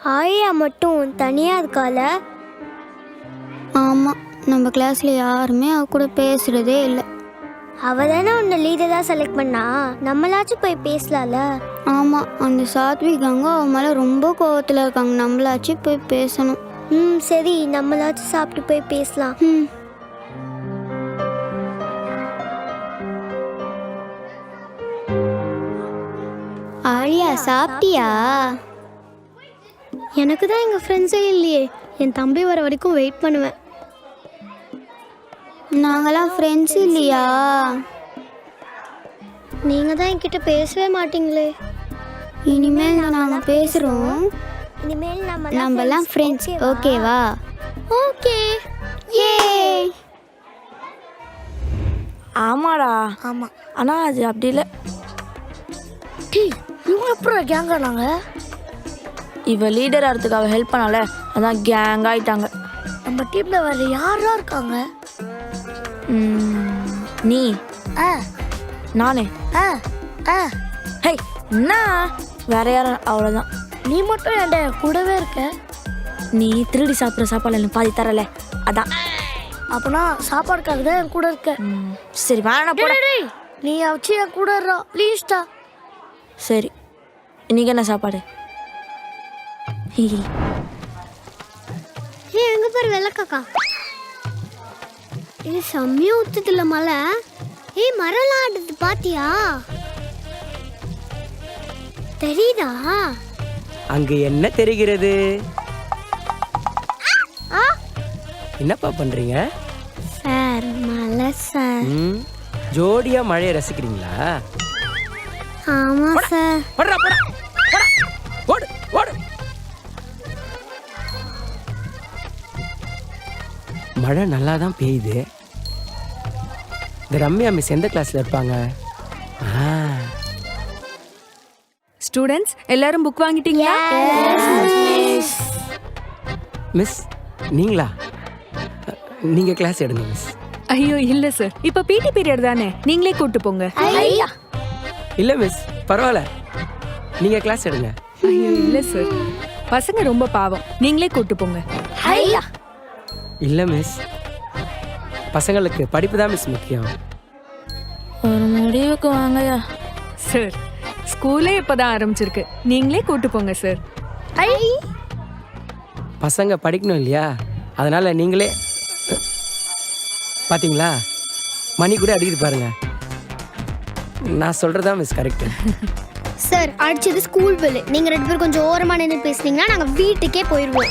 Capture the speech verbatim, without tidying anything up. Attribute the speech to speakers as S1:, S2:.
S1: ஆயா மட்டும் தனியா இருக்கால.
S2: ஆமாம், நம்ம கிளாஸ்ல யாருமே அவ கூட பேசுறதே இல்லை.
S1: அவ தானே உன்னை லீடரா செலக்ட் பண்ணா, நம்மளாச்சும் போய் பேசலாம்ல.
S2: ஆமாம், அந்த சாத்விகாங்க அவன் மேலே ரொம்ப கோவத்தில் இருக்காங்க. நம்மளாச்சும் போய் பேசணும்.
S1: ம் சரி, நம்மளாச்சும் சாப்பிட்டு போய் பேசலாம்.
S2: ம் ஆழியா, சாப்பிட்டியா?
S1: எனக்கு தான் எங்கள் ஃப்ரெண்ட்ஸே இல்லையே. என் தம்பி வர வரைக்கும் வெயிட் பண்ணுவேன்.
S2: நாங்களாம் ஃப்ரெண்ட்ஸ் இல்லையா?
S1: நீங்கள் தான் என்கிட்ட பேசவே மாட்டீங்களே.
S2: இனிமேல் நாங்கள் பேசுகிறோம்.
S1: இனிமேல் நம்ம
S2: நம்மலாம் ஃப்ரெண்ட்ஸ், ஓகேவா?
S1: ஓகே.
S2: ஏ
S3: ஆமாடா.
S1: ஆமாம்.
S3: ஆனால் அது அப்படி இல்லை.
S1: இவங்க அப்புறம் கேங்க நாங்கள்
S3: இவ லீடர் ஆகிறதுக்காக ஹெல்ப் பண்ணால, அதான் கேங் ஆயிட்டாங்க.
S1: நம்ம டீமில் வேறு யாரெல்லாம் இருக்காங்க?
S3: ம், நீ
S1: ஆ
S3: நானே
S1: ஆ ஆ
S3: ஹே என்ன வேற யாரும், அவ்வளோதான்.
S1: நீ மட்டும் என்கிட்ட கூடவே இருக்க.
S3: நீ திருடி சாப்பிட்ற சாப்பாடு எனக்கு பாதி தரல, அதான்.
S1: அப்பனா சாப்பாடுக்காக தான் என் கூட இருக்க.
S3: ம், சரி வேணாம் போட.
S1: டேய், நீ வச்சு என் கூட இருறா ப்ளீஸ்டா.
S3: சரி, இன்னைக்கு என்ன சாப்பாடு?
S1: ஏ எங்க பாரு வெள்ளக்காக்கா. இது செம்மையா ஊத்துதுல மழை. ஏய் மரம்லாம் ஆடுது பாத்தியா? தெரியுதா?
S4: அங்கு என்ன தெரிகிறது?
S1: ஆ
S4: என்னப்பா பண்றீங்க?
S1: சார் மழை சார்.
S4: ம், ஜோடியா மழையை ரசிக்கிறீங்களா?
S1: ஆமா சார்.
S4: போடுறா, போடா, போடா. ஓடு, ஓடு. மழை நல்லா தான் பெய்யுது. இந்த ரம்யா மிஸ் எந்த கிளாஸ்ல இருப்பாங்க? ஆ,
S5: ஸ்டூடெண்ட்ஸ் எல்லாரும் புக் வாங்கிட்டீங்களா?
S4: மிஸ் நீங்களா? நீங்க கிளாஸ் எடுங்க மிஸ்.
S5: ஐயோ இல்ல சார், இப்ப பிடி பீரியட் தானே, நீங்களே கூட்டு போங்க.
S1: ஐயா
S4: இல்ல மிஸ், பரவாயில்ல, நீங்க கிளாஸ் எடுங்க.
S5: ஐயோ இல்ல சார், பசங்க ரொம்ப பாவம், நீங்களே கூட்டு போங்க.
S1: ஐயா
S4: இல்ல மிஸ், பசங்களுக்கு படிப்பு தான் மிஸ் முக்கியம்.
S3: ஒரு முடிவுக்கு வாங்கயா.
S5: சார் ஸ்கூலே இப்பதான் ஆரம்பிச்சிருக்கு, நீங்களே கூட்டு போங்க சார்.
S1: ஐ
S4: பசங்க படிக்கணும் இல்லையா, அதனால நீங்களே. பாத்தீங்களா, மணி கூட அடிக்கிட்டு பாருங்க. நான் சொல்றதா மிஸ் கரெக்ட்.
S1: சார் அடிச்சது ஸ்கூல் பெல். நீங்க ரெண்டு பேரும் கொஞ்சம் ஓரமா நின்று பேசுனீங்கன்னா நாங்க வீட்டுக்கே போயிடுவோம்.